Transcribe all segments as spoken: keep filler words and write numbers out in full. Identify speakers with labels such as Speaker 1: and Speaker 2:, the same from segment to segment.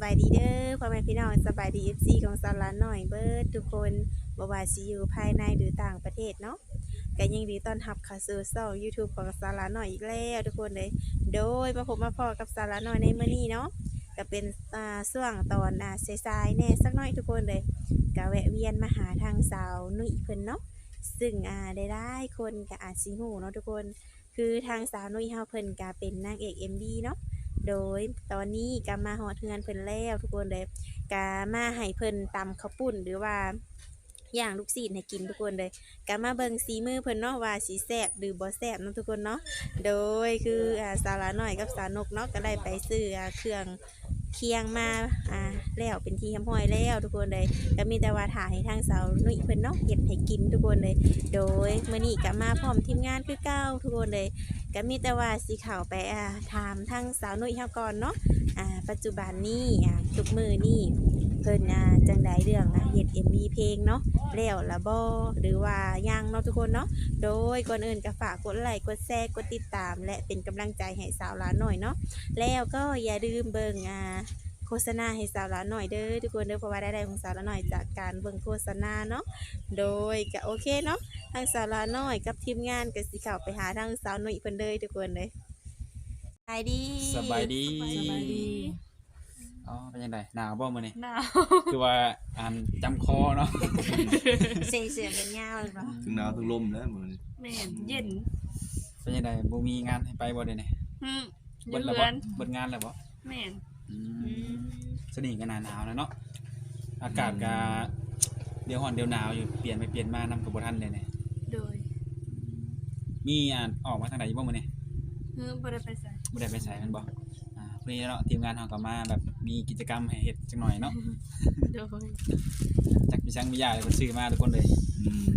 Speaker 1: บายดีเด้อพ่อแม่พี่น้องสบายดี เอฟ ซี ของสาวหลานน้อยเบิดทุกคนบ่ว่าสิอยู่ภายในหรือต่างประเทศเนาะก็ยินดีต้อนรับเข้าสู่ช่อง YouTube ของสาวหลานน้อยอีกแล้วทุกคนเลยโดยมาพบมาพอกับสาวหลานน้อยในมื้อนี้เนาะก็เป็นอ่าช่วงตอนอ่าสายๆแน่สักหน่อยทุกคนเลยก็แวะเวียนมาหาทางสาวนุ้ยเพิ่นเนาะซึ่งอ่าได้ได้คนก็อาจสิฮู้เนาะทุกคนคือทางสาวนุ้ยเฮาเพิ่นก็เป็นนางเอก เอ็ม วี เนาะโดยตอนนี้ก็มาฮอดเฮือนเพิ่นแล้วทุกคนเลยก็มาให้เพิ่นตำข้าวปุ้นหรือว่าย่างลูกศิษย์ให้กินทุกคนเลยก็มาเบิ่งสีมือเพิ่นเนาะว่าสิแซ่บหรือบ่แซ่บเนาะทุกคนเนาะโดยคืออ่าสาวหลาน้อยกับสาวนกเนาะก็ได้ไปซื้ออ่าเครื่องเคียงมาอ่าแล้วเป็นที่เรียบร้อยแล้วทุกคนเลยก็มีแต่ว่าถ่ายให้ทางสาวนุ้ยเพิ่นเนาะเฮ็ดให้กินทุกคนเลยโดยมื้อนี้ก็มาพร้อมทีมงานคือเก่าทุกคนเลยก็มีแต่ว่าสิเข้าไปอ่าถามทางสาวนุ้ยเฮาก่อนเนาะอ่าปัจจุบันนี้อ่าทุกมื้อนี้เพิ่นอ่าจังไดเรื่องอ่ะเฮ็ด เอ็ม วี เพลงเนาะแล้วละบ่หรือว่ายังเนาะทุกคนเนาะโดยก่อนอื่นก็ฝากกดไลค์กดแชร์กดติดตามและเป็นกำลังใจให้สาวหลานหน่อยเนาะแล้วก็อย่าลืมเบิ่งอ่าโฆษณาให้สาวหลานหน่อยเด้อทุกคนเด้อเพราะว่ารายได้ของสาวหลานหน่อยจากการเบิ่งโฆษณาเนาะโดยก็โอเคเนาะทางสาวหลานหน่อยกับทีมงานก็สิเข้าไปหาทางสาวหนุ่ยเพิ่นเลยทุกคนเลยสบายดี
Speaker 2: สบายดี
Speaker 3: สบายดี
Speaker 2: อ๋อเป็นยังไงหนาวบ่มื้อนี้
Speaker 3: หนาว
Speaker 2: คือว่าอ่านจำคอเนาะ
Speaker 1: เสียงเสียงเป็นยาวเลยเนาะ
Speaker 4: ถึงหนาวถึงลมแล้วมื้อนี้
Speaker 3: แม่นเย็น
Speaker 2: เป็นยังไงบ่มีงานให้ไปบ่เด้นี่
Speaker 3: หึอ
Speaker 2: เบิ
Speaker 3: ยู่
Speaker 2: ดแล้ว
Speaker 3: เรื
Speaker 2: บ่
Speaker 3: อน
Speaker 2: เบิดงานแล้วบ่
Speaker 3: แม่น
Speaker 2: อื
Speaker 1: อื
Speaker 2: ม
Speaker 1: ม
Speaker 2: สนิทกันหนาหนาวนะเนาะอากาศก็เดี๋ยวร้อนเดี๋ยวหนาวอยู่เปลี่ยนไปเปลี่ยนมานำกับบ่ทันเลยเนี่ย
Speaker 3: โดย
Speaker 2: มีอ่านออกมาทางใดอยู่บ่มื้อนี้
Speaker 3: หึบ่ได้ไปใส่
Speaker 2: บ่ได้ไปไสมันบ่อ่าพอดีเนาะทีมงานเฮาก็มาแบบมีกิจกรรมให้เฮ็ดจักหน่อยเนาะ
Speaker 3: โดย
Speaker 2: จักมีช่างมียาเลยเพิ่นซื้อมาทุกคนเลย
Speaker 4: อืม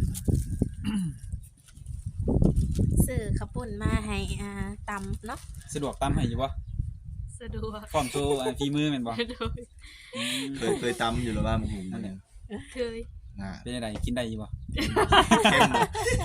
Speaker 1: ซื้อข้าวปุ้นมาให้อ่าตำเนาะ
Speaker 2: สะดวกตำให้อยู่บ่
Speaker 3: สะดวก
Speaker 2: พร้อมโชว์อ่าฝีมือแม่นบ่
Speaker 3: โดย
Speaker 2: อืม
Speaker 4: เคยเคยตำอยู่แล้วว่าหมูหุงมันเนี่ย
Speaker 3: เคย
Speaker 4: น่ะ
Speaker 2: เป็นจังไดกินได้อยู่บ่
Speaker 4: เข้มบ่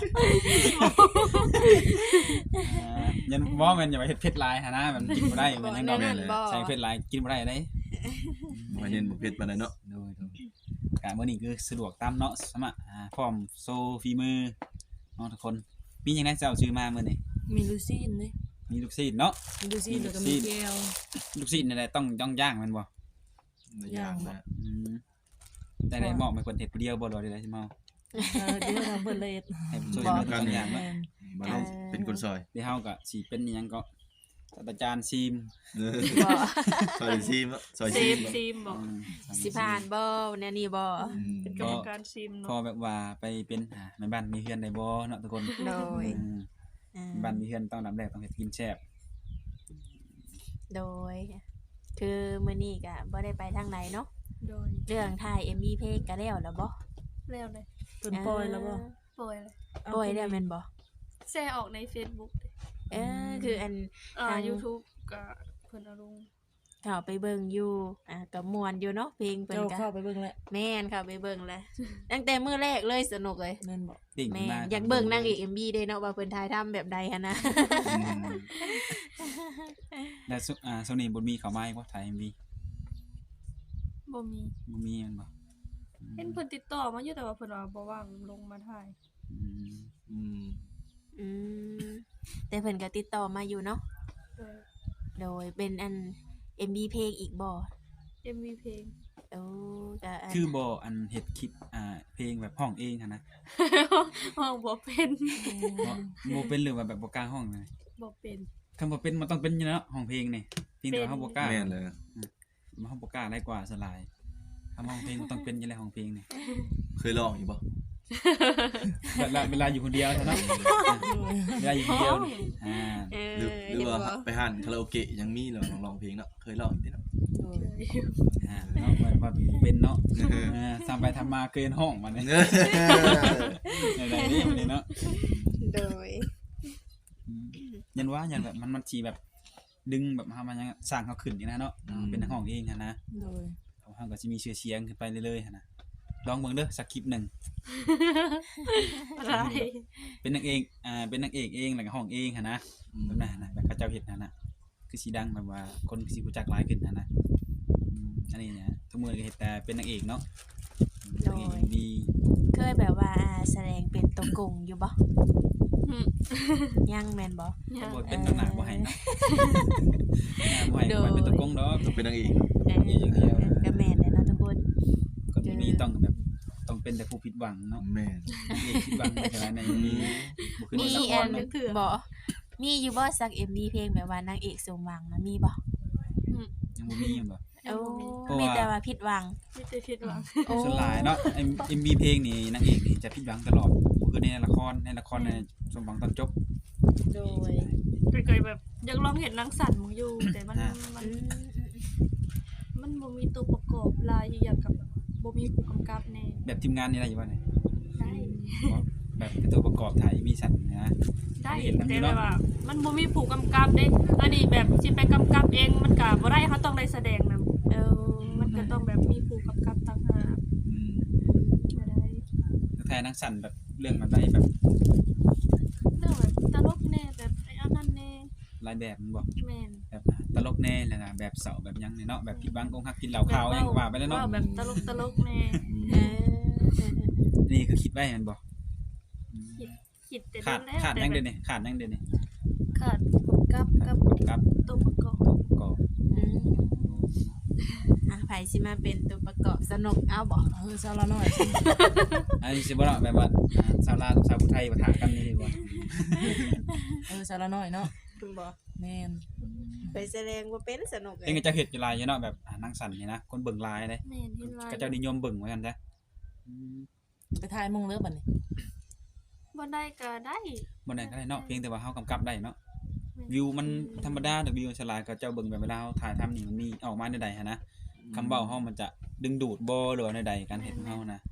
Speaker 2: อ่ายันบ่แม่นอย่าไปเฮ็ดเผ็ดหลายหั่นนะแบบกินบ่ได้มันยังดอก
Speaker 1: นั่นบ่
Speaker 2: ใส่เผ็ดหลายกินบ่ได้เด้
Speaker 4: บ่เห็นบ่เผ็ดปานใดเนาะ
Speaker 2: โดยโดยกะมื้อนี้คือสะดวกตามเนาะสมะอ่าพร้อมโซฝีมือเนาะทุกคนมีหยังไดเจ้าซื้อมามื้อนี้
Speaker 3: มีลูซี่นเลย
Speaker 2: มีลูกศิษย์เนาะ
Speaker 3: มีลูซี่นแล้วก็
Speaker 2: มี
Speaker 3: มี
Speaker 2: ลูกซีน
Speaker 3: แก้ว
Speaker 2: ลูกศิษย์นี่แหละต้องย่องย่างแม่นบ่
Speaker 4: หลายอย่างนะ
Speaker 2: อืมแต่ได้เหมาะให้เพิ่นเฮ็ดผู้เดียวบ่ดอกได้สิเมา
Speaker 3: เออเดี๋ยวทำเพิ่นเลย
Speaker 2: ให้ผู้ช่วยเหลือกันอย่าง
Speaker 3: แม่
Speaker 2: เนาะ
Speaker 3: น
Speaker 4: มาเราเป็นคนซอย
Speaker 2: เดี๋ยวเฮาก็สิเป็นอิหยังก็ศาสตราจารย์ซีม
Speaker 4: เออ
Speaker 3: บ่
Speaker 4: ซอยซีมเนาะซอย
Speaker 3: ซี
Speaker 4: ซี
Speaker 3: ม
Speaker 4: มเนาะ
Speaker 3: ซีมบ่
Speaker 2: อืม
Speaker 1: สิผ่านบ่แนวนี้บ่
Speaker 4: อืม
Speaker 3: เป็นกรรมการซีม
Speaker 2: พอ
Speaker 3: เนาะ
Speaker 2: แบบว่าไปเป็นอ่าแม่บ้านมีเฮือนได้บ่เนาะทุกคน
Speaker 1: โดย
Speaker 2: อืม
Speaker 1: อ่า
Speaker 2: บ้านมีเฮือนต้องดับแรกต้องเฮ็ดกินแซ่บ
Speaker 1: โดย คือมื้อนี้ก็บ่ได้ไปทางไหนเนาะ
Speaker 3: โดย
Speaker 1: เรื่องถ่าย เอ็ม วี เพลงก็แล้วแล้วบ่
Speaker 3: แล้วเลย
Speaker 5: เพิ่นปล่อยแล้วบ่
Speaker 3: ปล่อยเลย
Speaker 1: ปล่อยแล้วแม่นบ่
Speaker 3: แชร์ออกใน Facebook เลย
Speaker 1: เออคืออัน
Speaker 3: อ่า
Speaker 1: ทาง
Speaker 3: YouTube ก็เพิ่นเอาลง
Speaker 1: เข้าไปเบิ่งอยู่อ่าก็ม่วนอยู่เนาะเพลงเพิ่น
Speaker 5: เจ้า
Speaker 1: ก็
Speaker 5: เข้าไปเบิ่งแล้ว
Speaker 1: แม่นเข้าไปเบิ่งแล้วตั้งแต่มื้อแรกเลยสนุกเลย
Speaker 5: แม่นบ่
Speaker 2: ติ่ง
Speaker 1: แม่
Speaker 2: มาน
Speaker 1: อยากเบิ่งนางเอก เอ็ม วี เด้เนาะว่าเพิ่นถ่ายทำแบบใดหันนะ
Speaker 4: อืม
Speaker 2: แล้วซุอ่าโซนี่บ่มีเข้ามาให้บ่ถ่าย เอ็ม วี
Speaker 3: บ่มี
Speaker 2: บ่มีแม่นบ่อืม
Speaker 3: เห็นเพิ่นติดต่อมาอยู่แต่ว่าเพิ่นว่าบ่ว่างลงมาถ่าย
Speaker 2: อืม
Speaker 4: อืม
Speaker 1: อืมแต่เพิ่นก็ติดต่อมาอยู่เนาะ
Speaker 3: โดย
Speaker 1: โดยเป็นอัน เอ็ม วี เพลงอีกบ่
Speaker 3: เอ็ม วี เพลง
Speaker 1: โอ้ก็อัน
Speaker 2: คือบ่อันเฮ็ดคลิปอ่าเพลงแบบห้องเองหั่นนะ
Speaker 3: ห้องบ่เป็น
Speaker 2: บ่บ่เป็นหรือว่าแบบบ่กล้าห้องเลย
Speaker 3: บ่เป็น
Speaker 2: คันบ่เป็นมันต้องเป็นอยู่แล้วห้องเพลงนี่เพียงแต่ว่าเฮาบ่กล้า
Speaker 4: แม่นเลย
Speaker 2: มันเฮาบ่กล้าได้กว่าสลายคำห้องเพลงมันต้องเป็นอยู่แล้วห้องเพลงนี่
Speaker 4: เคยลองอยู่บ่
Speaker 2: เวลาเวลาอยู่คนเดียวเท่านั้นเวลาอยู่คนเดียวนี่อ่า
Speaker 1: เออ
Speaker 4: หรือหรือว่า
Speaker 1: เห็นบ่
Speaker 4: ไปหานคาราโอเกะยังมีเหรอลองร้องเพลงเนาะเคยลองอยู่ติเนาะ
Speaker 5: โอ้ย
Speaker 2: อ่าเนาะว่าว่าเป็นเนาะเออทำไปทำมาเกินห้องมันนี่
Speaker 4: เออ
Speaker 2: ในๆนี่มันนี่เนาะ
Speaker 1: โดย
Speaker 2: อืมยันว่ายันแบบมันมันสิแบบดึงแบบเฮามันยังสร้างเขาขึ้นนี่นะเนาะเป็นห้องเองหั่นนะ
Speaker 5: โดย
Speaker 2: เฮาก็สิมีชื่อเสียงขึ้นไปเรื่อยๆหั่นนะลองเบิ่งเด้อสักคลิปหนึง
Speaker 3: อะไร
Speaker 2: เป็นนางเอกอ่าเป็นนางเอกเองแล้วก็ห้องเองหั่นนะแบบนั้นนะแบบเขาเจ้าเฮ็ดนั่นน่ะคือสิดังแบบว่าคนสิรู้จักหลายขึ้นหั่นนะอืมอันนี้นะทุกมื้อก็เฮ็ดแต่เป็นนางเอกเนาะ
Speaker 1: โดย
Speaker 2: นางเอกดี
Speaker 1: เคยแบบว่าแสดงเป็นตัวกงอยู่บ่
Speaker 3: อืม
Speaker 1: ยังแม่นบ่
Speaker 3: ยั
Speaker 2: ก็
Speaker 3: ง
Speaker 2: บ่เป็นตำหนักบ่ให้นะหน้าบ่ให้บ่ให้เป็นตะกงดอก
Speaker 4: ต้องเป็นนางเอก
Speaker 1: เออ
Speaker 2: อย่างเดียว
Speaker 1: ก็แม่นแหละเนาะทุกคน
Speaker 2: ก็มีต้องแบบต้องเป็นแต่ผู้ผิดหวังเนาะ
Speaker 4: แม่น
Speaker 2: นางเอกผิดหวังไม่ใช่ไหมในนี้บ่คือ
Speaker 1: มี
Speaker 2: ในละค
Speaker 1: อั
Speaker 2: ร
Speaker 1: น
Speaker 2: เนาะ
Speaker 1: บ่มีอยู่บ่สัก เอ็ม วี เพลงแบบว่านางเอกสมหวังนะมีบ่
Speaker 2: ยังบ่มีหยังบ่
Speaker 3: ยังบ่มี
Speaker 2: เพราะว่า
Speaker 1: มีแต่ว่าผิดหวัง
Speaker 3: มีแต่คิดหวัง
Speaker 1: โอ้
Speaker 2: ส่วนหลายเนาะ เอ็ม วี เพลงนี่นางเอกนี่จะผิดหวังตลอดบ่คือในละครในละครในสมหวังตอนจบ
Speaker 1: โดย
Speaker 3: เคยแบบอยากลองเห็นนางสันมึงอยู่ แต่มัน
Speaker 2: อ่า
Speaker 3: มั
Speaker 1: อื
Speaker 3: น
Speaker 1: ม
Speaker 3: มันบ่มีตัวประกอบลายอย่างกับบ่มีผู้กำกับแน่
Speaker 2: แบบทีมงานนี่ได้อยู่บ่เนี่ย
Speaker 3: ได้
Speaker 2: แบบเป็นตัวประกอบถ่ายมีสันนะ
Speaker 3: ได้
Speaker 2: เห็นแบบนี้
Speaker 3: แต่
Speaker 2: เนาะ
Speaker 3: แบบว่า มันบ่มีผู้กำกับเด้อันนี้แบบสิไปกำกับเองมันก็บ่ได้เขาต้องได้แสดงนำ
Speaker 1: เออ
Speaker 3: มันก็ต้องแบบมีผู้กำกับต่างหาก
Speaker 2: อืม
Speaker 3: บ่ได้
Speaker 2: แท้นักสั่นแบบเรื่องแบบใดแบบ
Speaker 3: เรื่องแบบตลกแน่แบบไอ้อันนั้นแน่
Speaker 2: หลายแบบมันบ่
Speaker 3: แม่น
Speaker 2: แบบตลกแน่แล้วก็แบบเศร้าแบบหยังนี่เนาะแบบผิดหวังอกหักกินเหล้าขาวหยังก็ว่าไปแล้วเนาะ
Speaker 3: ว้แบบตลกตลกๆแน่
Speaker 1: เออ
Speaker 2: นี่คือคิดไว้แมันบ่
Speaker 3: คิดคิดแต่
Speaker 2: ขาด
Speaker 3: โแล้ว
Speaker 2: ขาด
Speaker 3: แต่
Speaker 2: ยัง
Speaker 3: แบ
Speaker 2: เด้
Speaker 3: บ
Speaker 2: นี่ขาดยังเด้นี่
Speaker 3: ขาดผู้กำกับกับ
Speaker 2: ครับ
Speaker 3: ตัวประกอบ
Speaker 2: ตัวประกอบ
Speaker 1: อืมอ่ะไผสิมาเป็นตัวประกอบสนุกเอาบ่
Speaker 5: เออสาวละน้อยสิ
Speaker 2: อันนี้สิบ่เนาะแบบว่าอ่าชาวลาวกับชาวพุทธไทยปะทะกันนี่ดีกว่า
Speaker 5: เออสาวละน้อยเนาะ
Speaker 1: บ่
Speaker 5: แม่น
Speaker 1: ไปแสดงว่าเป็นสนุกเล
Speaker 2: เอง
Speaker 1: ย
Speaker 2: ก็จะเฮ็ดอยู่หลายอยู่เนาะแบบอ่านังสั่นนี่นะคนเบิ่งหลายเด้
Speaker 3: แม่นเห็นลาย
Speaker 2: ก็เจ้านิยมเบิ่งว่าซั่นจ้ะอืม
Speaker 5: ไปถ่ายมงเลิกบัดนี้
Speaker 3: บ่ได้ก็ได้
Speaker 2: บ่ได้ก็ได้เนาะเพียงแต่ว่าเฮากำกับได้เนาะ
Speaker 3: แม่น
Speaker 2: วิวมันธรรมดาแต่วิวฉลาดก็เจ้าเบิ่งแบบเวลาเฮาถ่ายทำนี่มันมีออกมาในใดหันนะคำเว้าเฮามันจะดึงดูดบ่หรือว่าในใดการเฮ็ดของเฮานะ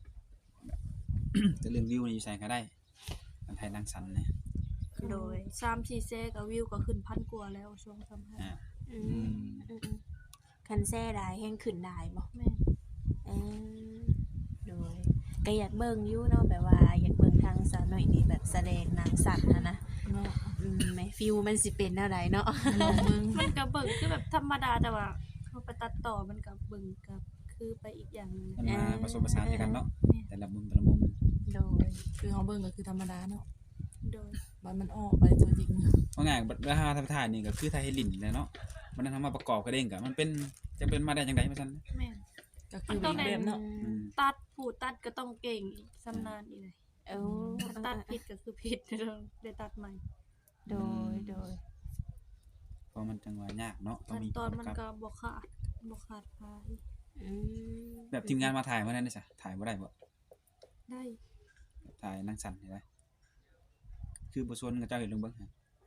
Speaker 2: แต่เรื่องวิวนี่ใส่ก็ได้การถ่ายนังสั่นเนี่ย
Speaker 3: โดยสามสี่เซก็วิวก็ขึ้นพันกว่าแล้วช่วงสัมภาษ
Speaker 2: อ่า
Speaker 3: ณ์
Speaker 1: อืมอืมคันแซ่ได้แฮงขึ้นได้บ่
Speaker 3: แม่น
Speaker 1: เออโดยก็อยากเบิ่งอยู่เนาะแบบว่าอยากเบิ่งทางสาวน้อยนี่แบบแสดงหนังสัตว์นะนะ
Speaker 5: เนาะ
Speaker 1: อืมแม่ฟิลมันสิเป็นแนวใดเนาะ
Speaker 5: ลองเบิ่ง
Speaker 3: มันก็เบิ่งคือแบบธรรมดาแต่ว่าเขาไปตัดต่อมันก็เบิ่งก็คือไปอีกอย่างหนึง
Speaker 2: มันมาผสมผสานกันเนาะแต่ละมุมแต่ละมุม
Speaker 1: โดย
Speaker 5: คือเฮาเบิ่งก็คือธรรมดาเนาะ
Speaker 3: โดย
Speaker 5: บัดมันออกไปตัวจริง
Speaker 2: ว่าง่ายเวลาถ่ายถ่ายนี่ก็คือถ่ายให้ลิ้นเลยเนาะมันนำมาประกอบกันเองก็มันเป็นจะเป็นมาได้จังได๋ว่าซั่น
Speaker 3: แม่น
Speaker 5: ก็คืออีกแบบเนาะ
Speaker 2: อืม
Speaker 3: ตัดผู้ตัดก็ต้องเก่งอีกชำนาญอีกเลย
Speaker 1: เออ
Speaker 3: ตัดผิดก็คือผิด ต้องได้ตัดใหม่
Speaker 1: โดยโดย
Speaker 2: เพราะมันจังหวะยากเนาะต้อง
Speaker 3: ขั้น
Speaker 2: มี
Speaker 3: ตอนมัน
Speaker 2: กับ
Speaker 3: ก็บ่ขาดบ่ขาดพาย
Speaker 1: อืม
Speaker 2: แบบทีมงานมาถ่ายมาได้นี่ซะถ่ายบ่ได้บ่
Speaker 3: ได้
Speaker 2: ถ่ายนังสั่นได้คือบ่ชวนกับเจ้าเฮ็ดลงเบิ่งฮะ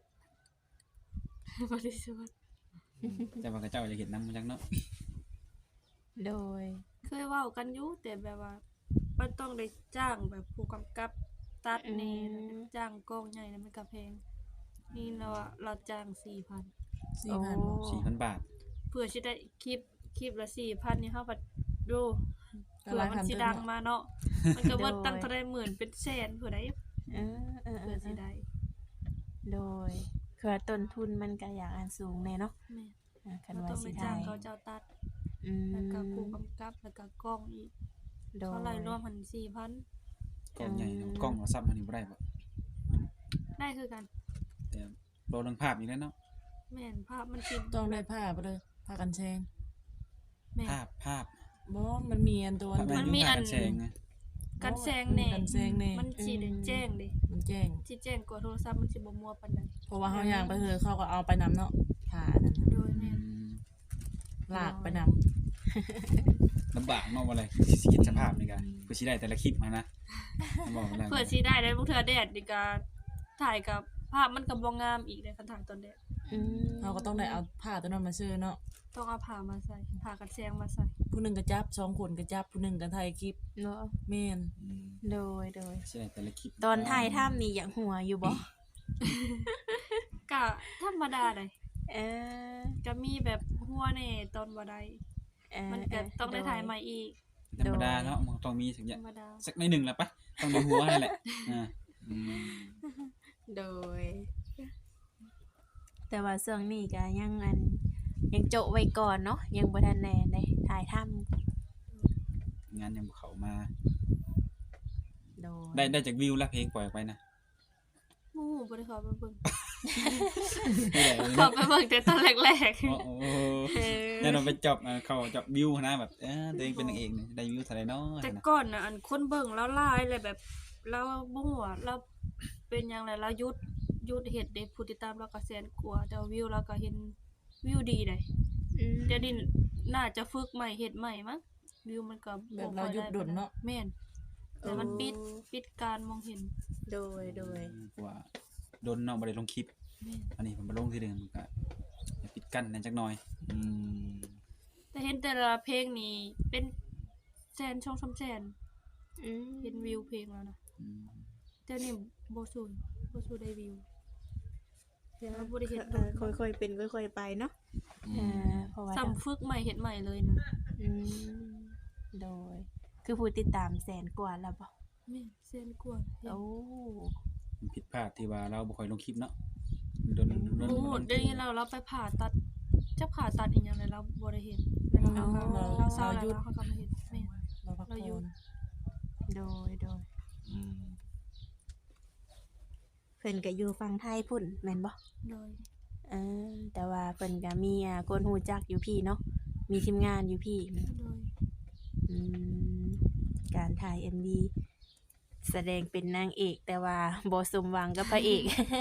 Speaker 3: บริสุทธิ์
Speaker 2: แต่ว่ากับเจ้าจะเฮ็ดนำมาจังเนาะ
Speaker 1: โดย
Speaker 3: เคยเว้ากันอยู่แต่แบบว่ามันต้องได้จ้างแบบผู้กำกับตัดแนี่แล้วก็จ้างกล้องใหญ่แล้วมันก็แพงนี่เราอะเราจ้างสี่พัน
Speaker 5: สี่พันบ่
Speaker 2: สี่พัน บาท
Speaker 3: เพื่อสิได้คลิปคลิปละสี่พันนี่เฮาบัดดู
Speaker 5: ก็
Speaker 3: เผื่
Speaker 5: ห
Speaker 3: อ
Speaker 5: ลาย
Speaker 3: มัน
Speaker 5: พัน
Speaker 3: สิ
Speaker 5: เติ
Speaker 3: ดั
Speaker 5: ม
Speaker 3: ง
Speaker 5: เนาะ
Speaker 3: มาเนาะมันก็เบิดตั้งเท่าได้หมื่นเป็นแสนเผื่อได้
Speaker 1: เออเออเอ
Speaker 3: เผื่อ
Speaker 1: อ
Speaker 3: สิได้
Speaker 1: โดยคือว่าต้นทุนมันก็อยากอันสูงแน่เนาะ
Speaker 3: แม่
Speaker 1: อ่าคัน
Speaker 3: เรา
Speaker 1: ว่า
Speaker 3: ต้อง
Speaker 1: สิ
Speaker 3: ไป
Speaker 1: ได้
Speaker 3: จ้างเขาเจ้าตัด
Speaker 1: อืม
Speaker 3: แล้วก็ผู้กำกับแล้วก็กล้องอีก
Speaker 1: โดย
Speaker 3: เท่าไหร่รวมหันสี่พัน
Speaker 2: กล้องใหญ่เนาะ
Speaker 1: อืม
Speaker 2: กล้องเราซับมันนี่บ่ได้บ่
Speaker 3: ได้คือกัน
Speaker 2: แต่โปรเรื่องภาพนี่แหละเนาะ
Speaker 3: แม่นภาพมันสิ
Speaker 5: ต้องได้ผ้าบ่เด้อผ้ากันแชง
Speaker 3: แม่น
Speaker 2: ภาพภาพ
Speaker 5: บ่มันมีอันตัว
Speaker 2: ภาพ
Speaker 5: อัน
Speaker 3: มันมีอัน
Speaker 2: ภาพแสงไง
Speaker 3: กันแซงแน่
Speaker 5: กันแซงแน่
Speaker 3: มันสิได้แจ้งเด้
Speaker 5: มันแจ้ง
Speaker 3: สิแจ้งกว่าโทรศัพท์มันสิบ่มัวปานใด
Speaker 5: เพราะว่าเฮาย่างไปเถอะเขาก็เอาไปนำเนาะผ้าอันนั้น
Speaker 3: โดย
Speaker 2: อื
Speaker 3: แม่น
Speaker 2: ม
Speaker 5: ลากไปนำ
Speaker 2: ลำบากเนาะว่าอะไรสิคิดสภาพนี่ก็เพื่อสิได้แต่ละคลิปมานะบอกบ่ได้
Speaker 3: เพื่อสิได้ได้พวกเธอแดดนี่ก็ถ่ายกับภาพมันก็บ่งามอีกเด้คันถ่ายตอนแดด
Speaker 1: อืม
Speaker 5: เขาก็ต้องได้เอาผ้าตัวนั้นมาซื้อเนาะ
Speaker 3: ต้องเอาผ้ามาใส่ผ้ากันแซงมาใส่
Speaker 5: ผู้หนึงก็จับสองคนก็จับผู้หนึงก็ถ่ายคลิป
Speaker 1: เนาะ
Speaker 5: แม่น
Speaker 4: อืม
Speaker 1: โดยโดย
Speaker 2: สิได้แต่ละคลิป
Speaker 1: ตอนถ่ายถ้ำนี่อยากหัวอยู่บ่
Speaker 3: ก็ธรรมดาเลย
Speaker 1: เออ
Speaker 3: ก็มีแบบหัวแน่ตอนบ่ได้
Speaker 1: เออ
Speaker 3: มันก็ต้องได้ถ่ายใหม่อีก
Speaker 2: ธรรมดาเนาะมันต้องมีสักอ
Speaker 3: ธ
Speaker 2: ย่าร ง
Speaker 3: รมดา
Speaker 2: สักในอยหนึ่งแหละปะต้องในหัวนั่นแหละอ่า
Speaker 4: อืม
Speaker 1: โดย แต่ว่าช่วงนี้ก็ยังอันยังโจะไว้ก่อนเนาะยังบ่ทันแน่ได้ถ่ายทำ
Speaker 2: งานยังบ่เข้ามา
Speaker 1: โดย
Speaker 2: ได้ได้จากวิวแล้วเพลงปล่อยออกไปนะ
Speaker 3: หมู่บ่ได้เข้าไปเบิ่ง
Speaker 2: ไม่ได้เลย
Speaker 3: เข้า
Speaker 2: เนาะ
Speaker 3: ไปเบิ่งแต่ตอนแรก
Speaker 2: โอ้โห
Speaker 1: เออ
Speaker 2: แน่นอนไปจอบอ่าเข้าจอบวิวนะแบบเออตัวเองเป็นนางเอกนี่ได้วิวเท่าไหร่เนาะ
Speaker 3: ๆแต่
Speaker 2: นะ
Speaker 3: ก่อนน่ะอันคนเบิ่งแล้วหลายเลยแบบเราบ่ฮู้ว่าเราเป็นหยังไงเราหยุดหยุดเฮ็ดเด้ผู้ติดตามเราก็แสนกว่าแต่ว่าวิวเราก็เห็นวิวดีได้
Speaker 1: อืม
Speaker 3: เดี๋ยวนี้น่าจะฝึกใหม่เฮ็ดใหม่มั้งวิวมันก็
Speaker 5: แบบเราหยุดดนเนาะ
Speaker 3: แม่นแต่มันปิดปิดการมองเห็น
Speaker 1: โดยโดย
Speaker 2: เพราะว่าโดนเนาะบ่ได้ลงคลิป
Speaker 3: แม่น
Speaker 2: อันนี้ผมมาลงทีเดียวมันก็ปิดกั้นนั่นจักหน่อย
Speaker 4: อืม
Speaker 3: แต่เห็นแต่ละเพลงนี่เป็นแสนช่องสามแสน
Speaker 1: อืม
Speaker 3: เห็นวิวเพลงแล้วนะ
Speaker 2: อืม
Speaker 3: แต่นี่บ่สู้บ่สู้ได้วิว เราบ่ได้เฮ็ด
Speaker 1: เออค่อยๆเป็นค่อยๆไปเนาะ
Speaker 4: อื
Speaker 1: เอ
Speaker 4: ม
Speaker 1: อเพราะว่า
Speaker 3: ซ้ำฝึกใหม่เฮ็ดใหม่เลยนะ
Speaker 1: อืมโดย คือผู้ติดตามแสนกว่าแล้วบ่
Speaker 3: แม่นแสนกว่าเห็น
Speaker 1: โอ้
Speaker 2: มันผิดพลาดที่ว่าเราบ่ค่อยลงคลิปเนาะโดนโดน
Speaker 3: โอ้
Speaker 2: โดน
Speaker 3: ได้ยินเราเราไปผ่าตัดจะผ่าตัดอีหยังเลยเราบ่ได้เฮ็ดเวลาเราเราเราเศร้าแล้วเราเขาก็มาเฮ็ดแม่น
Speaker 5: เราพัก
Speaker 3: เราหยุ
Speaker 5: ผ่อ
Speaker 3: ด
Speaker 5: น
Speaker 1: โดยโดย
Speaker 4: อืม
Speaker 1: เพิ่นก็อยู่ฝั่งไทยพุ่นแม่นบ่
Speaker 3: โดย
Speaker 1: เออแต่ว่าเพิ่นก็มีอ่าคนฮู้จักอยู่พี่เนาะมีทีมงานอยู่พี่
Speaker 3: โดย
Speaker 1: อืมการถ่าย เอ็ม วี แสดงเป็นนางเอก แต่ว่าบ่สมหวังกับพระเอก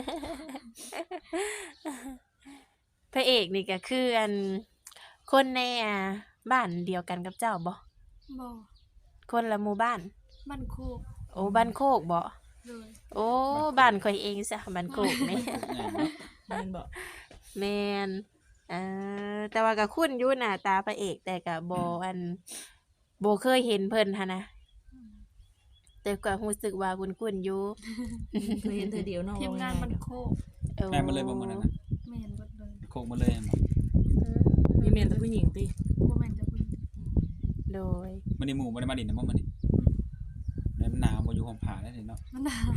Speaker 1: พระเอกนี่ก็คืออันคนในอ่าบ้านเดียวกันกับเจ้าบ่
Speaker 3: บ่
Speaker 1: คนละหมู่บ้าน
Speaker 3: มันโคก
Speaker 1: โอ้บ้านโคกบ่
Speaker 3: โดย
Speaker 1: โอ้บ้านข่อยเองซะบ้านโคกนี่
Speaker 2: ใหญ่เนาะ
Speaker 5: แม่นบ่
Speaker 1: แม่นเอ่อแต่ว่าก็คุ้นอยู่หน้าตาพระเอก แต่ก็บ่อันบ่เคยเห็นเพิ่นหันนะแต่ก็รู้สึกว่าคุ้นๆอยู่
Speaker 5: เคยเห็นเธอเดียวเนาะ
Speaker 3: ทีมงานมันโคก
Speaker 1: โอ้
Speaker 2: ได้มาเลยบ่มื้อนั้นน่ะ
Speaker 3: แม่นเบิดเลย
Speaker 2: โคกมาเลยบ่
Speaker 1: อืม
Speaker 5: มีแม่นแต่ผู้หญิงติ
Speaker 3: บ่แม่นจะเพิ่น
Speaker 1: โดย
Speaker 2: มื้อนี้หมู่บ่ได้มาดินนะบ่มื้อนี้แล้วมันหนาวบ่อยู่ห้องผ่าได้เนาะ
Speaker 3: มันหนาว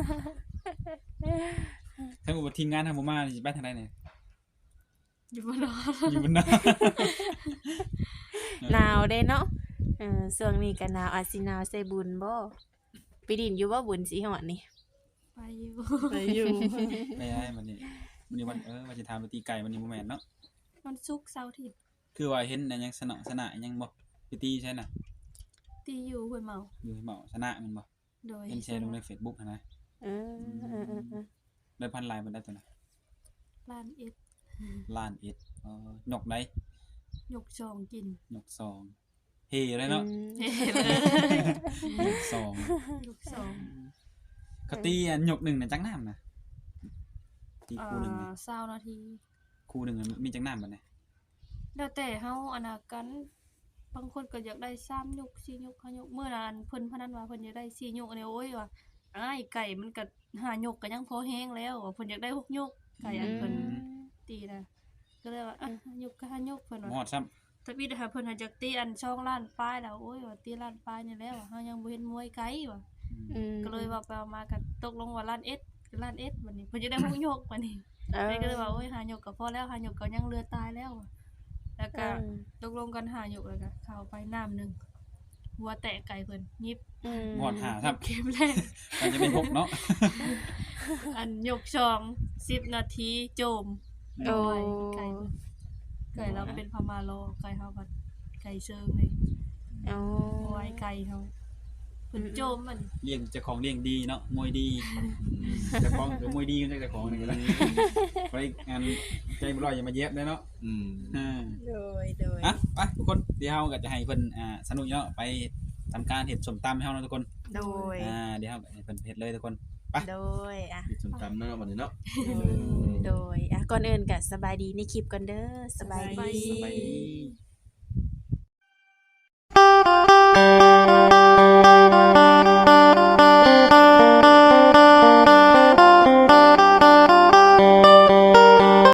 Speaker 2: ถ้าว่าทีมงานทางบ่มานี่สิไปทางใดเนี่ย
Speaker 3: อยู่บ่รอด
Speaker 2: อยู่บนหน้า
Speaker 1: หนาวเด้เนาะเออช่วงนี้ก็หนาวอาจสิหนาวใส่บุญบ่ไปดินอยู่บ่บุญสิฮอดนี่
Speaker 3: ไปอยู่
Speaker 5: ไปอยู่
Speaker 2: ไปได้มันนี่มันนี่วันเออว่าสิถามไปตีไก่มันนี่บ่แม่นเนาะ
Speaker 3: มันศุกร์เสาร์อาทิตย์
Speaker 2: คือว่าเห็นอันยังสนะสนะอันยังบ่ไปตีใช่น่ะ
Speaker 3: ตีอยู่ห้วยเมา
Speaker 2: อยู่ให้เหมาสนะมันบ่
Speaker 3: โดย
Speaker 2: เห็นแชร์ลงใน Facebook หันนะ
Speaker 1: เออเออเออเออ
Speaker 2: ได้พันลายมันได้ตัวน่ะ
Speaker 3: ร้านเอ็ด
Speaker 2: ล้านเอ็ดเอ่อหยกได้
Speaker 3: ยกซองกิน
Speaker 2: หยกซองเฮเลยเนาะ
Speaker 1: อืม
Speaker 3: เฮ้เลย
Speaker 2: หยกซอง
Speaker 3: ยกซอง
Speaker 2: เขาตีอันหยกหนึ่งน่ะจักน้ำน่ะตี
Speaker 3: อ่
Speaker 2: คู่หนึงนี่
Speaker 3: าเศร้านาที
Speaker 2: คู่หนึงน่ะมีจักน้ำบัดนี้
Speaker 3: แล้วแต่เฮาอนากันบางคนก็อยากได้สามยกสี่ยกห้ายกเมื่อนั้นเพิ่นพนันว่าเพิ่นอยากได้สี่ยกอันนี้โอ้ยว่าอ้ายไก่มันก็ห้ายกก็ยังพอแห้งแล้วว่าเพิ่นอยากได้หกยกไก่อันเพิ่นตีนะก็เลยว่าอ่ะห้ายกก็ห้ายกเพิ่น
Speaker 2: บ่ฮอ
Speaker 3: ว่า
Speaker 2: ดซ้ำ
Speaker 3: ถ้าพี่ถ้าเพิ่นหาจากตีอันช่องล้านป้ายแล้วโอ้ยว่าตีล้านป้ายนี่แล้วอะเฮายังบ่เห็นมวยไกลว่ะ
Speaker 1: อืม
Speaker 3: ก็เลยว่าไปเอามาก็ตกลงว่าล้านเอ็ดล้านเอ็ดบัดนี้เพิ่นจะได้หกยกบัดนี้
Speaker 1: เออ
Speaker 3: เลยก็เลยว่าโอ้ยหายกก็พอแล้วหายกก็ยังเรือตายแล้วอะแล้ว
Speaker 1: เอ
Speaker 3: ก็
Speaker 1: อ
Speaker 3: ตกลงกันหายกแล้วก็เข้าไปน้ำหนึงหัวแตะไก่เพิ่นยิบ
Speaker 1: อืม
Speaker 2: บ่ฮอดหาซ้ำ
Speaker 3: เกมแรก
Speaker 2: มันจะเป็นหกเนาะ
Speaker 3: อันยกช่องสิบนาทีโจม
Speaker 1: โอ้
Speaker 3: ไก่ไก่เพิ่นไก่เราเป็นพม่าโลไก่เฮาก็ไก่เชิงเลย
Speaker 1: โอ้
Speaker 3: เอาไว้ไก่เฮาเพิ่นโจมมัน
Speaker 2: เลี้ยงเจ้าของเลี้ยงดีเนาะมวยดีเจ้าของก็มวยดีกันเจ้าของนี่ก็ได้ไปงานใจบ่ร้อยอย่ามาเย็บได้เนาะ
Speaker 4: อืม
Speaker 2: อ่า
Speaker 1: โดยโดย
Speaker 2: อ่ะไปทุกคนเดี๋ยวเฮาก็จะให้เพิ่นอ่าสนุกเนาะไปทำการเฮ็ดสมตำให้เฮาเนาะทุกคน
Speaker 1: โดย
Speaker 2: อ่าเดี๋ยวเฮาก็ให้เพิ่นเฮ็ดเลยทุกคน
Speaker 1: โดยอ่ะ
Speaker 4: มีส้มตำเนาะบัดนี้เนาะ
Speaker 1: โดยอ่ะก่อนอื่นก็สบายดีในคลิปก่อนเด้อสบาย
Speaker 3: สบาย
Speaker 1: ดี
Speaker 3: ดี
Speaker 2: สบายดี